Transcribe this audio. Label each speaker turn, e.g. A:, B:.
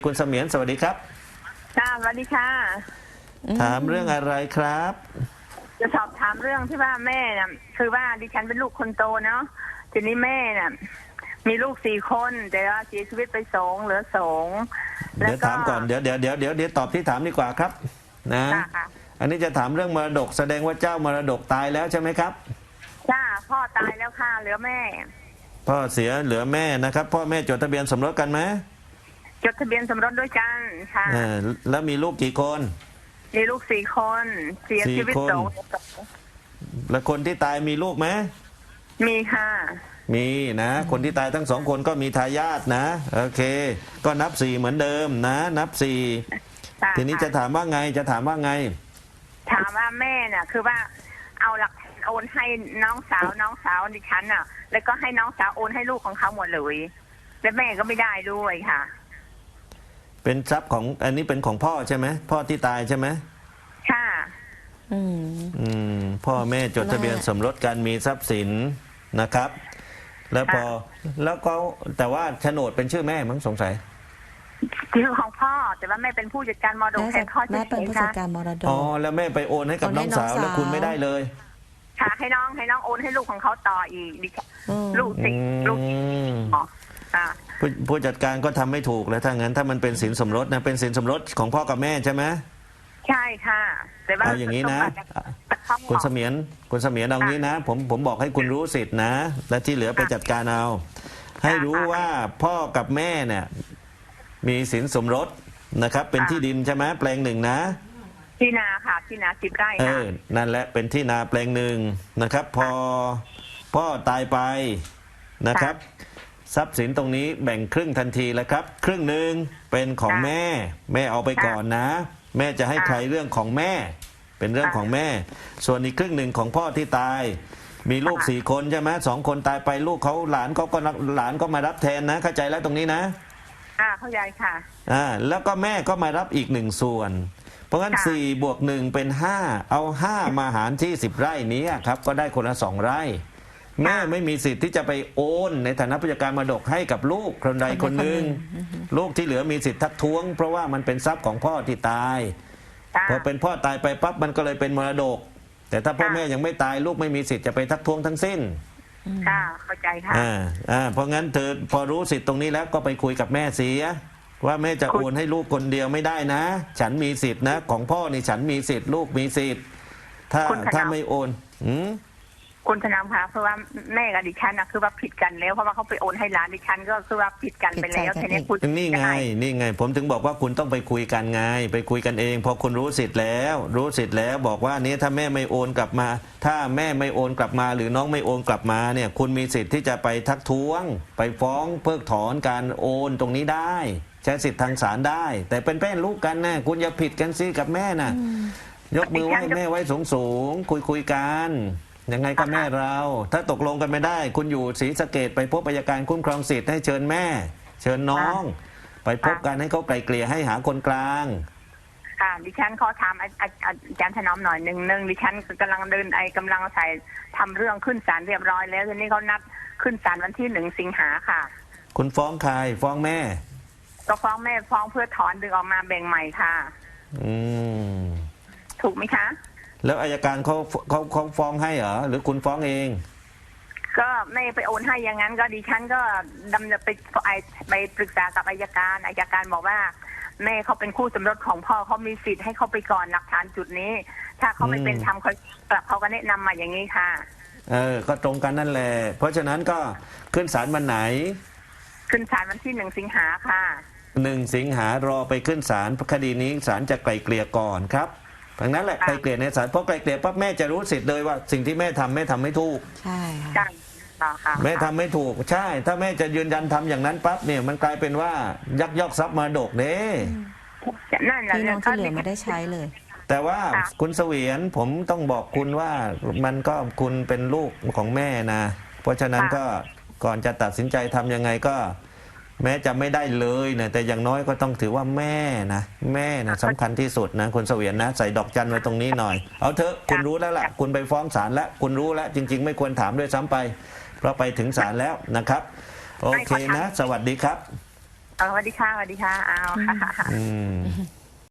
A: คุณเสมียนสวัสดีครับ
B: ค่ะสวัสดีค่ะ
A: ถามเรื่องอะไรครับ
B: จะสอบถามเรื่องที่ว่าแม่น่ะคือว่าดิฉันเป็นลูกคนโตเนาะทีนี้แม่น่ะมีลูก4 คนแต่ว่าเสียชีวิตไป2เหลือ2
A: เดี๋ยวถามก่อนเดี๋ยวตอบที่ถามดีกว่าครับนะอันนี้จะถามเรื่องมรดกแสดงว่าเจ้ามรดกตายแล้วใช่ไหมครับ
B: จ้าพ่อตายแล้วค่ะเหลือแม่
A: พ่อเสียเหลือแม่นะครับพ่อแม่จดทะเบียนสมรสกันไหม
B: จดทะเบียนสมรสด้วยกันค่ะ
A: แล้วมีลูกกี่คน
B: มีลูก4 คนเสียชีวิต2
A: แล้วคนที่ตายมีลูกไหม
B: มีค่ะ
A: มีนะคนที่ตายทั้ง2 คนก็มีทายาทนะโอเคก็นับ4เหมือนเดิมนะนับ4ทีนี้จะถามว่าไงถามว่า
B: แม่น่ะคือว่าเอาหลักโอนให้น้องสาวดิฉันน่ะแล้วก็ให้น้องสาวโอนให้ลูกของเขาหมดเลยและแม่ก็ไม่ได้ด้วยค่ะ
A: เป็นทรัพย์ของอันนี้เป็นของพ่อใช่ไหมพ่อที่ตายใช่ไหม
B: ค่ะ
A: พ่อแม่จดทะเบียนสมรสกันมีทรัพย์สินนะครับแล้วก็แต่ว่าโฉนดเป็นชื่อแม่มั้งสงสัย
B: ชื่อของพ่อแต่ว่าแม่เป็นผู้จัดการมรดกแทนพ่อ
C: แม่เป็นผู้จัดการมรดก
A: แล้วแม่ไปโอนให้กับน้องสาวแล้วคุณไม่ได้เลย
B: ค่ะให้น้องโอนให้ลูกของเขาต่ออีกลูก
A: ผู้จัดการก็ทำไม่ถูกแล้วถ้างั้นถ้ามันเป็นสินสมรสนะเป็นสินสมรสของพ่อกับแม่ใช่ไหม
B: ใช่ค่ะแต่ว่า
A: เอาอย่างนี้นะคุณเสมียนเอางี้นะผมบอกให้คุณรู้สิทธินะและที่เหลือไปจัดการเอาให้รู้ว่าพ่อกับแม่เนี่ยมีสินสมรสนะครับเป็นที่ดินใช่ไหมแปลง1นะ
B: ที่นาค่ะที่นา10 ไร่ค่ะ
A: นั่นแหละเป็นที่นาแปลง1นะครับพอพ่อตายไปนะครับทรัพย์สินตรงนี้แบ่งครึ่งทันทีแล้วครับครึ่งหนึ่งเป็นของแม่เอาไปก่อนนะแม่จะให้ใครเรื่องของแม่เป็นเรื่องของแม่ส่วนอีกครึ่งหนึ่งของพ่อที่ตายมีลูก4 คนใช่ไหม2 คนตายไปลูกเขาหลานก็มารับแทนนะเข้าใจแล้วตรงนี้นะ
B: เข้าใจค่ะ
A: แล้วก็แม่ก็มารับอีก1 ส่วนเพราะงั้น4 บวก 1เป็น5เอา5มาหารที่10 ไร่นี้ครับก็ได้คนละ2 ไร่แม่ไม่มีสิทธิ์ที่จะไปโอนในฐานะผู้จัดการมรดกให้กับลูกคนใดคนหนึ่งลูกที่เหลือมีสิทธิ์ทักท้วงเพราะว่ามันเป็นทรัพย์ของพ่อที่ตายพอเป็นพ่อตายไปปั๊บมันก็เลยเป็นมรดกแต่ถ้าพ่อแม่ยังไม่ตายลูกไม่มีสิทธิ์จะไปทักท้วงทั้งสิ้น
B: เข้าใจค่ะ
A: เพราะงั้นเธอพอรู้สิทธิ์ตรงนี้แล้วก็ไปคุยกับแม่เสียว่าแม่จะโอนให้ลูกคนเดียวไม่ได้นะฉันมีสิทธิ์นะของพ่อนี่ฉันมีสิทธิ์ลูกมีสิทธิ์ถ้าไม่โอน
B: คุณธนามคะเพราะว่าแม่กับดิฉันนะคือว่าผิดกันแล้วเพราะว่าเขาไปโอนให้หลานดิฉันก็คือว่าผิดกันไปแล้วทีนี้คุณ
A: นี่ไงผมถึงบอกว่าคุณต้องไปคุยกันไงไปคุยกันเองพอคุณรู้สิทธิ์แล้วบอกว่านี้ถ้าแม่ไม่โอนกลับมาถ้าแม่ไม่โอนกลับมาหรือน้องไม่โอนกลับมาเนี่ยคุณมีสิทธิ์ที่จะไปทักท้วงไปฟ้องเพิกถอนการโอนตรงนี้ได้ใช้สิทธิ์ทางศาลได้แต่เป็นแม่ลูกกันนะคุณอย่าผิดกันสิกับแม่นะยกมือไหว้แม่ไว้สูงคุยกันยังไงก็แม่เราถ้าตกลงกันไม่ได้คุณอยู่ศรีสะเกษไปพบอัยการคุ้มครองสิทธิ์ให้เชิญแม่เชิญน้องไปพบกันให้เขาไกลเกลี่ยให้หาคนกลาง
B: ค่ะดิฉันขอถามอาจารย์ถนอมหน่อยหนึ่งดิฉันกำลังกำลังใส่ทำเรื่องขึ้นศาลเรียบร้อยแล้วทีนี้เขานัดขึ้นศาลวันที่1 สิงหาค่ะ
A: คุณฟ้องใครฟ้องแม่
B: ก็ฟ้องแม่ฟ้องเพื่อถอนดึงออกมาแบ่งใหม่ค่ะถูกไหมคะ
A: แล้วอัยการเขาฟ้องให้เหรอหรือคุณฟ้องเอง
B: ก็ไม่ไปโอนให้อย่างนั้นก็ดิฉันก็ดำเนินไปปรึกษากับอัยการบอกว่าแม่เขาเป็นคู่สมรสของพ่อเขามีสิทธิ์ให้เขาไปก่อนหลักฐานจุดนี้ถ้าเขาไม่เป็นธรรมเขาก็แนะนำมาอย่างนี้ค่ะ
A: ก็ตรงกันนั่นแหละเพราะฉะนั้นก็ขึ้นศาลวันไหน
B: ขึ้นศาลวันที่1 สิงหาค่ะ
A: 1 สิงหารอไปขึ้นศาลคดีนี้ศาลจะไกล่เกลี่ยก่อนครับดังนั้นแหละไกลเกลี่ยในศาลเพราะไกลเกลี่ยปั๊บแม่จะรู้สิทธิ์เลยว่าสิ่งที่แม่ทำไม่ถูก
C: ใช่ค่ะ
A: แม่ทำไม่ถูกใช่ถ้าแม่จะยืนยันทำอย่างนั้นปั๊บเนี่ยมันกลายเป็นว่ายักยอกทรัพย์มรดกเด้
C: พี่น้องที่เหลือไม่ได้ใช้เลย
A: แต่ว่าคุณเสวียนผมต้องบอกคุณว่ามันก็คุณเป็นลูกของแม่นะเพราะฉะนั้นก็ก่อนจะตัดสินใจทำยังไงก็แม้จะไม่ได้เลยนะแต่อย่างน้อยก็ต้องถือว่าแม่นะสำคัญที่สุดนะคุณเสวียนนะใส่ดอกจันไว้ตรงนี้หน่อยเอาเถอะคุณรู้แล้วล่ะคุณไปฟ้องศาลแล้วคุณรู้แล้วจริงๆไม่ควรถามด้วยซ้ำไปเพราะไปถึงศาลแล้วนะครับโอเคนะสวัสดีครับ
B: สวัสดีค่ะสวัสดีค่ะเอาค่ะ
A: อืม